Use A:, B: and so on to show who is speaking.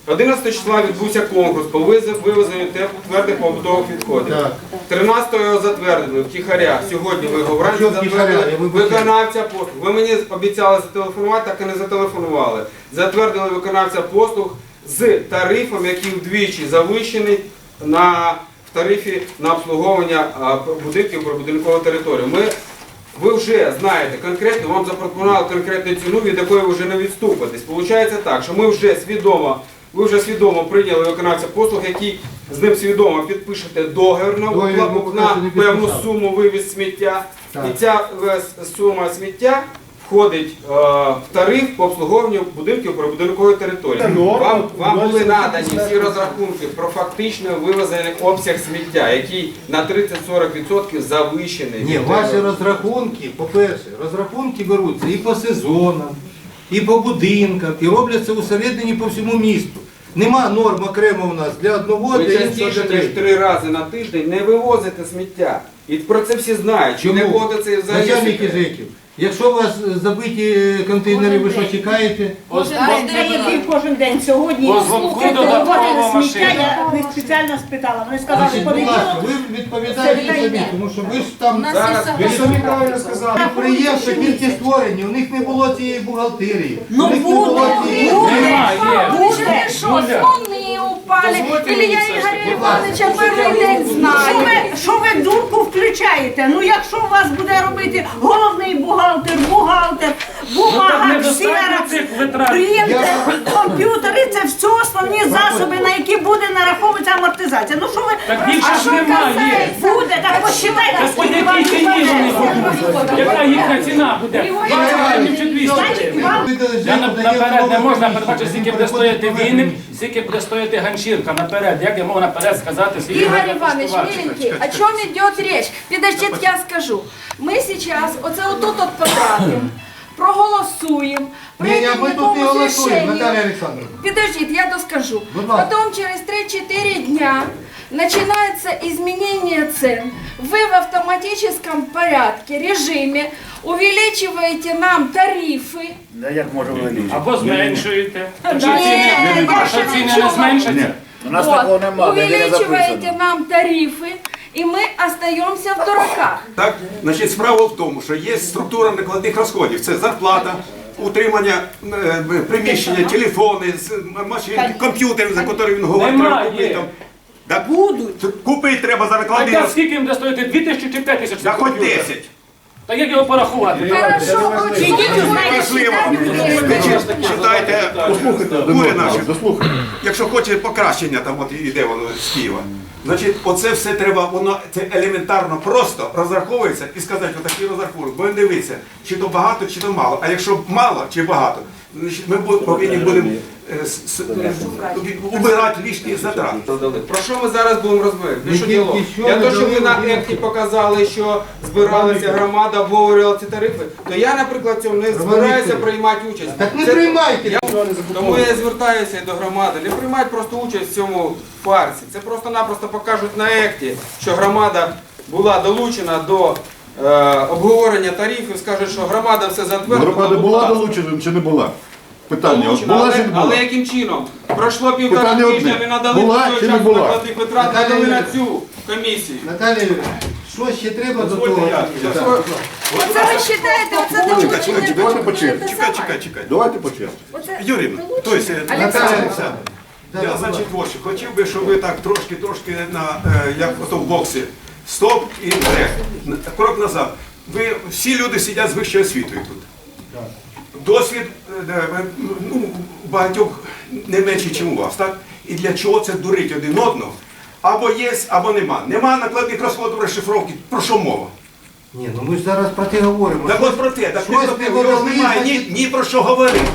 A: 11 числа відбувся конкурс по вивезенню твердих побутових відходів. 13-го його затвердили втіхаря. Сьогодні ви його вранці затвердили виконавця послуг. Ви мені обіцяли зателефонувати, так і не зателефонували. Затвердили виконавця послуг з тарифом, який вдвічі завищений в тарифі на обслуговування будинків прибудинкової території. Ви вже знаєте конкретно, вам запропонували конкретну ціну, від якої ви вже не відступитесь. Получається так, що ви вже свідомо прийняли виконавця послуг, який з ним свідомо підпишете договір на певну суму вивіз сміття. І ця сума сміття входить в тариф по обслуговуванню будинків прибудинкової території. Вам були надані всі розрахунки про фактично вивезений обсяг сміття, який на 30-40% завищений.
B: Ні, ваші розрахунки, по-перше, розрахунки беруться і по сезонам, і по будинкам, і робляться усередині по всьому місту. Нема норм окремо у нас для одного,
A: Ви
B: для іншого.
A: частіше, ніж 3 рази на тиждень не вивозите сміття. І про це всі знають. Чи не буде це взагалі?
B: Начальники ЖЕКів, якщо у вас забиті контейнери, ви що чекаєте?
C: Кожен день сьогодні вивозили сміття, я них спеціально спитала. Вони сказали,
B: Значить, будь ласка, ви відповідаєте собі, тому що ви ж там ви самі правильно сказали. Підприємства тільки створені, у них не було цієї бухгалтерії.
C: Ну буде,
D: Що, вони упали? Или я Ігоря Івановича перший день знаю.
C: Що ви дурку включаєте? Ну якщо у вас буде робити головний бухгалтер, бумага, ксерокс, принтер, комп'ютери, це все основні засоби, на які буде нараховуватися амортизація. Ну що ви,
E: більше ж немає.
C: Буде, так посчитайте,
E: По
C: скільки вам
E: якій ціні вони будуть? Яка їхня ціна буде? 200 гривень чи 200 гривень? Я наперед не можна передбачити, скільки буде стояти віник, скільки буде стояти ганчірка наперед. Як я можу наперед сказати, скільки
D: Игорь
E: буде
D: Иванович,
E: коштувати?
D: миленький, о чем идет речь? Подождите, я скажу. Мы сейчас оце отут от потратим, проголосуємо,
B: Ні,
D: прийдемо
B: ми
D: к
B: тут не
D: якомусь
B: голосуємо, Наталія
D: решению.
B: Олександровна.
D: Подождите, я доскажу.
B: Будь ласка.
D: Потом через 3-4 дня начинается изменение цен. Вы в автоматическом порядке, режиме увеличиваете нам тарифы.
F: Да як може вилізти?
E: Або зменшуєте. Якщо
D: Ні,
E: ціни не зменшаться,
F: У нас такого немає, де не
D: увеличиваете
F: записано.
D: нам тарифы, и мы остаемся в дураках.
G: Так, значить, справа в тому, що є структура накладних розходів. Це зарплата, утримання приміщення, телефони, машини, комп'ютери, за які він говорить, треба купити.
E: Немає.
G: Так, купити треба за накладний
E: так
G: розход.
E: скільки їм буде стоїти? 2000 чи 5000?
G: Да хоч 10.
E: Та як його порахувати?
D: Хорошо,
G: Важливо. Читайте кури наші. Якщо хоче покращення, там от іде воно з Києва. Значить, оце все треба, воно це елементарно просто розраховується і сказати, отакий розрахунок. Бо дивіться, чи то багато, чи то мало. А якщо мало чи багато, значить ми повинні будемо убирати лишні затрати.
A: Про що ми зараз будемо розмовляти?
B: Ми тільки що
A: Для того, щоб ви на
B: надали
A: екті показали, що збиралася громада, обговорювала ці тарифи, то я, наприклад, в цьому не збираюся приймати участь.
B: Так не
A: Це-
B: приймайте.
A: Тому я звертаюся і до громади. Не приймати просто участь в цьому фарсі. Це просто-напросто покажуть на екті, що громада була долучена до обговорення тарифів, скажуть, що громада все затвердила.
H: Громада була долучена чи не була? Питання.
A: Долучена,
H: Була чи не була?
A: але яким чином? Пройшло півтора
H: Питання
A: тижня,
H: одне.
A: ми надали
H: Була
A: той
H: чи не
A: час
H: була?
A: накладних витрат, надали на цю комісію.
B: Наталія Юрійовна, що ще треба до того?
D: Оце ви вважаєте, оце долучення.
H: Давайте по черзі.
G: Чекай.
H: Давайте по черзі.
G: Юрій, тобто, я, значить, ось, хотів би, щоб ви так трошки, як ото в боксі, стоп і вперед. Крок назад. Ви всі люди сидять з вищою освітою тут. Досвід багатьох не менший, ніж у вас, так? І для чого це дурить один одного? Або є, або нема. Нема накладних розходів розшифровки. Про що мова?
B: Ні, ну ми ж зараз про те говоримо.
G: Так от про те, так
B: Щось
G: його ж немає ні про що говорити.